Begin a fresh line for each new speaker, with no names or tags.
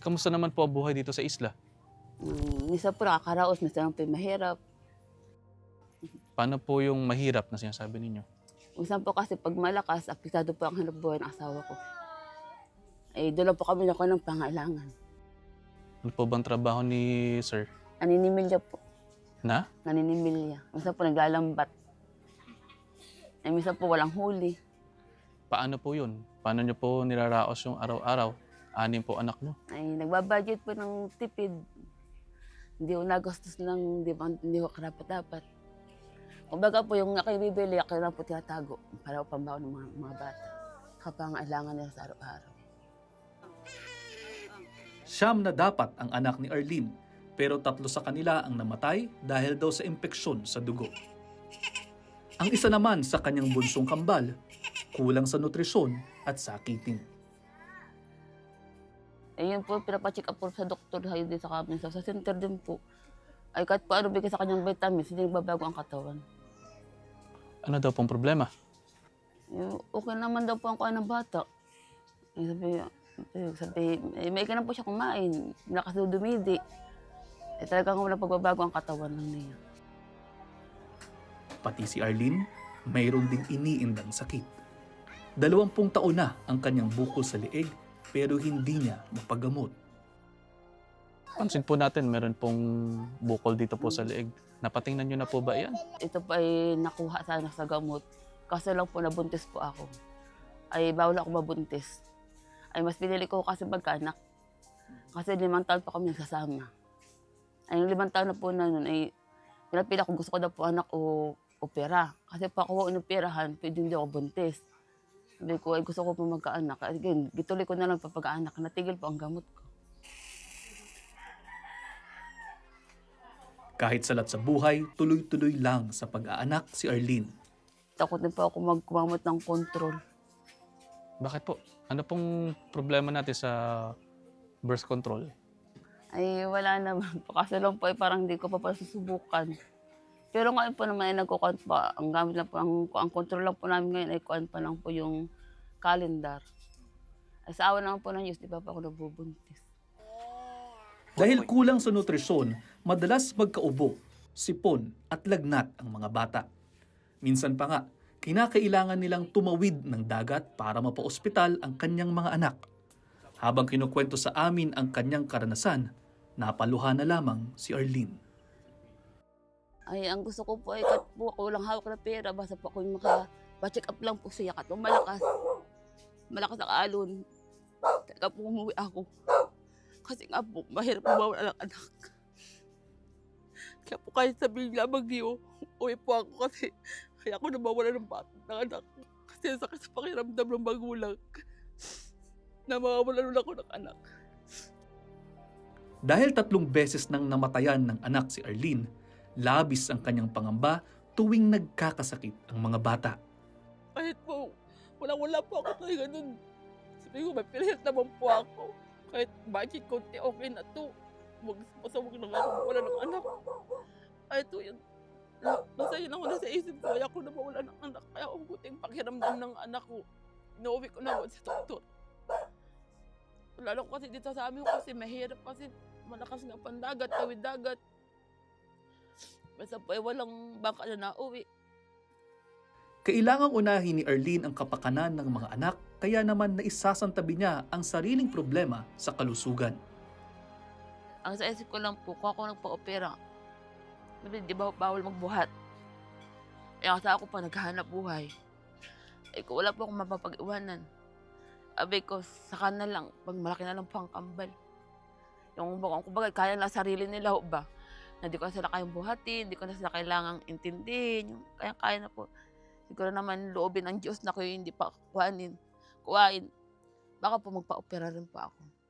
Kamusta naman po ang buhay dito sa isla?
Minsan po nakakaraos, minsan po mahirap.
Paano po yung mahirap na sinasabi ninyo?
Minsan po kasi pag malakas, apektado po ang hanapbuhay ng asawa ko. Eh, doon lang po kami nakuha ng pangailangan.
Ano po bang trabaho ni sir?
Naninimilya po.
Na?
Naninimilya. Minsan po naglalambat. Eh, minsan po walang huli.
Paano po yun? Paano nyo po nilaraos yung araw-araw? 6 po anak nyo.
Ay, nagbabudget po ng tipid. Hindi ko nagastos ng hindi ko karapat-dapat. Kumbaga po yung aking bibili, ako lang po tinatago para pambaon ng mga bata. Kapangailangan nila sa araw-araw.
Siyam na dapat ang anak ni Arlene, pero 3 sa kanila ang namatay dahil daw sa impeksyon sa dugo. Ang isa naman sa kanyang bunsong kambal, kulang sa nutrisyon at sakitin.
Eh, yun po, pinapacheck up po sa doktor din sa kami. Sa center din po. Ay, kahit po ano bigay sa kanyang vitamins, hindi nagbabago ang katawan.
Ano daw pong problema?
Eh, okay naman daw po ang kuha ng bata. Sabi, may ka na po siya kumain. Lakas daw dumidi. Eh, talagang walang pagbabago ang katawan lang niya.
Pati si Arlene, mayroon ding iniindang sakit. 20 taon na ang kanyang bukol sa leeg, pero hindi niya mapagamot.
Pansin po natin, meron pong bukol dito po sa leeg. Napatingnan nyo na po ba yan?
Ito pa ay nakuha sana sa gamot. Kaso lang po nabuntis po ako. Ay bawal ako mabuntis. Ay mas pinili ko kasi magkaanak. Kasi 5 taon pa kami nagsasama. Ay yung 5 taon na po na nun ay pinapila ko gusto ko daw po anak o opera. Kasi pa ako inoperahan, pwede hindi ako buntis. Sabi ko ay gusto ko po magkaanak. Again, gituloy ko na lang papag-aanak. Natigil po ang gamot ko.
Kahit salat sa buhay, tuloy-tuloy lang sa pag-aanak si Arlene.
Takot din po ako magkumamot ng control.
Bakit po? Ano pong problema natin sa birth control?
Ay wala naman po. Kasi lang po ay parang hindi ko pa susubukan. Pero ngayon po naman ay nagkukuhan pa. Ang gamit lang po, ang control lang po namin ngayon ay kuhan pa lang po yung calendar. Ay sa awa naman po ng Diyos, di ba pa ako nabubuntis.
Dahil kulang sa nutrisyon, madalas magkaubo, sipon at lagnat ang mga bata. Minsan pa nga, kinakailangan nilang tumawid ng dagat para mapaospital ang kanyang mga anak. Habang kinukwento sa amin ang kanyang karanasan, napaluha na lamang si Arlene.
Ay, ang gusto ko po ay kat po ako lang hawak na pera. Basta po ako yung maka-check up lang po siya. Kat malakas. Malakas ang alon. Talaga po umuwi ako. Kasi nga po, mahirap mawala ng anak. Kaya po kahit sabihin lamang niyo, uwi po ako kasi kaya ako nawawala ng anak. Kasi sakit sa pakiramdam ng magulang na mawawalan ako ng anak.
Dahil 3 beses nang namatayan ng anak si Arlene, labis ang kanyang pangamba tuwing nagkakasakit ang mga bata.
Kahit po, wala po ako talaga nun. Sabi ko, may pilihan naman po ako. Kahit bakit konti, okay na to. Masawag lang ako, wala ng anak. Ay, ito yun. Nasa yun ako nasa isip ko, kaya ako na mawala ng anak. Kaya ang buting pakiramdam ng anak ko. Inuwi ko na sa doktor. Lalo ko kasi dito sa amin kasi mahirap kasi malakas nga pandagat, tawid dagat. Basta po ay walang bangka na nauwi.
Kailangang unahin ni Arlene ang kapakanan ng mga anak, kaya naman naisasantabi niya ang sariling problema sa kalusugan.
Ang sa isip ko lang po, kung ako nagpa-opera, di ba bawal magbuhat? Eh kasi ako pa naghahanap buhay. Eh kung wala po akong mapapag-iwanan, abay ko, saka na lang, pag malaki na lang po ang kambal. Yung kumbaga, kaya lang sarili nila ba? Na di ko na sila kayang buhatin, di ko na sila kailangang intindihin. Yung kaya na po. Siguro naman loobin ng Diyos na ko yung hindi pa kuhain. Baka po magpa-opera rin po ako.